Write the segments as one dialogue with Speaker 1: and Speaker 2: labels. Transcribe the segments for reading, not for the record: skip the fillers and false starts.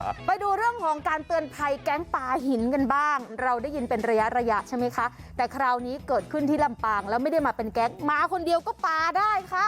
Speaker 1: ไปดูเรื่องของการเตือนภัยแก๊งปลาหินกันบ้างเราได้ยินเป็นระยะใช่ไหมคะแต่คราวนี้เกิดขึ้นที่ลำปางแล้วไม่ได้มาเป็นแก๊งมาคนเดียวก็ปาได้ค่ะ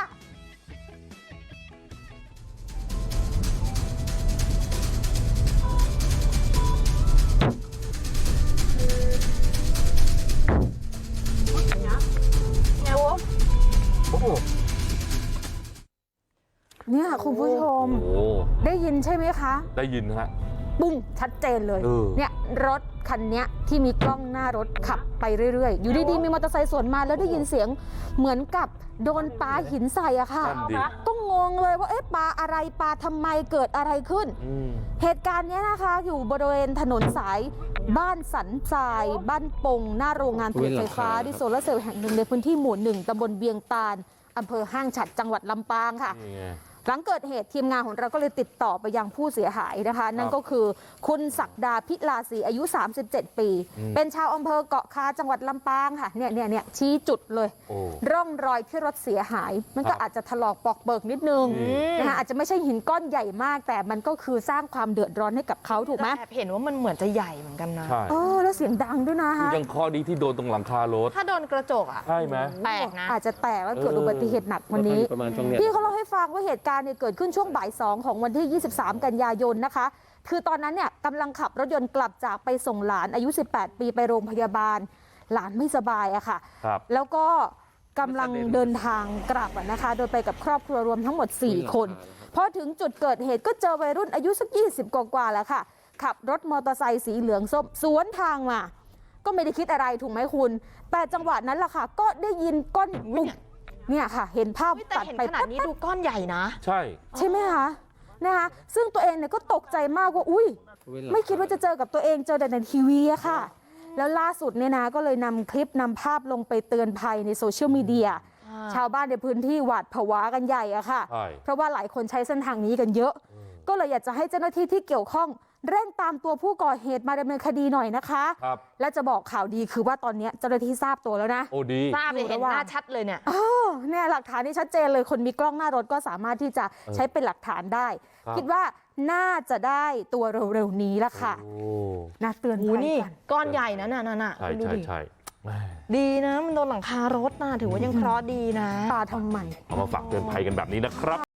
Speaker 1: เนี่ยคุณผู้ชมได้ยินใช่ไหมคะ
Speaker 2: ได้ยินฮะ
Speaker 1: ปุ้งชัดเจนเลยเนี่ยรถคันนี้ที่มีกล้องหน้ารถขับไปเรื่อยๆอยู่ดีๆมีมอเตอร์ไซค์สวนมาแล้วได้ยินเสียงเหมือนกับโดนปาหินใส่อะค่ะก็งงเลยว่าเอ๊ะปาอะไรปาทำไมเกิดอะไรขึ้นเหตุการณ์นี้นะคะอยู่บริเวณถนนสายบ้านสันทรายบ้านปงหน้าโรงงานผลิตไฟฟ้าดิโซลาร์เซลล์แห่งหนึ่งในพื้นที่หมู่ 1ตำบลเวียงตาลอำเภอห้างฉัตรจังหวัดลำปางค่ะหลังเกิดเหตุทีมงานของเราก็เลยติดต่อไปยังผู้เสียหายนะคะนั่นก็คือคุณศักดาพิลาศรีอายุ37ปีเป็นชาวอำเภอเกาะคาจังหวัดลำปางค่ะเนี่ยชี้จุดเลยร่องรอยที่รถเสียหายมันก็อาจจะถลอกปอกเบิกนิดนึงนะคะอาจจะไม่ใช่หินก้อนใหญ่มากแต่มันก็คือสร้างความเดือดร้อนให้กับเขาถูกไหม
Speaker 3: เห็นว่ามันเหมือนจะใหญ่เหมือนกันนะ
Speaker 1: แล้วเสียงดังด้วยนะคะ
Speaker 2: ยังข้อดีที่โดนตรงหลังคารถ
Speaker 3: ถ้าโดนกระจกอ่ะ
Speaker 2: ใช่ไหม
Speaker 3: แตกนะ
Speaker 1: อาจจะแตกแล้วเกิดอุบัติเหตุหนักวันนี้พี่เขาเล่าให้ฟังว่าเหตุการณ์เนี่ยเกิดขึ้นช่วงบ่าย 2ของวันที่23กันยายนนะคะคือตอนนั้นเนี่ยกำลังขับรถยนต์กลับจากไปส่งหลานอายุ18ปีไปโรงพยาบาลหลานไม่สบายอะค่ะแล้วก็กำลังเดินทางกลับนะคะโดยไปกับครอบครัวรวมทั้งหมด4คนพอถึงจุดเกิดเหตุก็เจอวัยรุ่นอายุสัก20กว่าแล้วค่ะขับรถมอเตอร์ไซค์สีเหลืองส้มสวนทางมาก็ไม่ได้คิดอะไรถูกไหมคุณแต่จังหวะนั้นล่ะค่ะก็ได้ยินก้อนปุ๊บเนี่ยค่ะเห็นภาพ
Speaker 3: ตัดไปขนาดนี้ดูก้อนใหญ่นะ
Speaker 1: ใช่ไหมคะนะคะซึ่งตัวเองเนี่ยก็ตกใจมากว่าอุ้ยไม่คิดว่าจะเจอกับตัวเองเจอแต่ในทีวีอะค่ะแล้วล่าสุดเนี่ยนะก็เลยนำคลิปนำภาพลงไปเตือนภัยในโซเชียลมีเดียชาวบ้านในพื้นที่หวาดผวากันใหญ่อะค่ะเพราะว่าหลายคนใช้เส้นทางนี้กันเยอะก็เลยอยากจะให้เจ้าหน้าที่ที่เกี่ยวข้องเร่งตามตัวผู้ก่อเหตุมาดำเนินคดีหน่อยนะคะและจะบอกข่าวดีคือว่าตอนนี้เจ้าหน้าที่ทราบตัวแล้วนะ
Speaker 2: โอ้ดี
Speaker 3: ทราบเลยเห็นหน้าชัดเลยเนี่ย
Speaker 1: เนี่ยหลักฐานนี่ชัดเจนเลยคนมีกล้องหน้ารถก็สามารถที่จะใช้เป็นหลักฐานได้คิดว่าน่าจะได้ตัวเร็วๆนี้ละค่ะน่าเตือนภัยกัน
Speaker 3: ก้อนใหญ่นะน่ะ
Speaker 2: ใช่
Speaker 3: ดีนะมันโดนหลังคารถนะถือว่ายังเคราะห์ดีนะ
Speaker 1: ปาทำไม
Speaker 2: เอามาฝากเตือนภัยกันแบบนี้นะครับ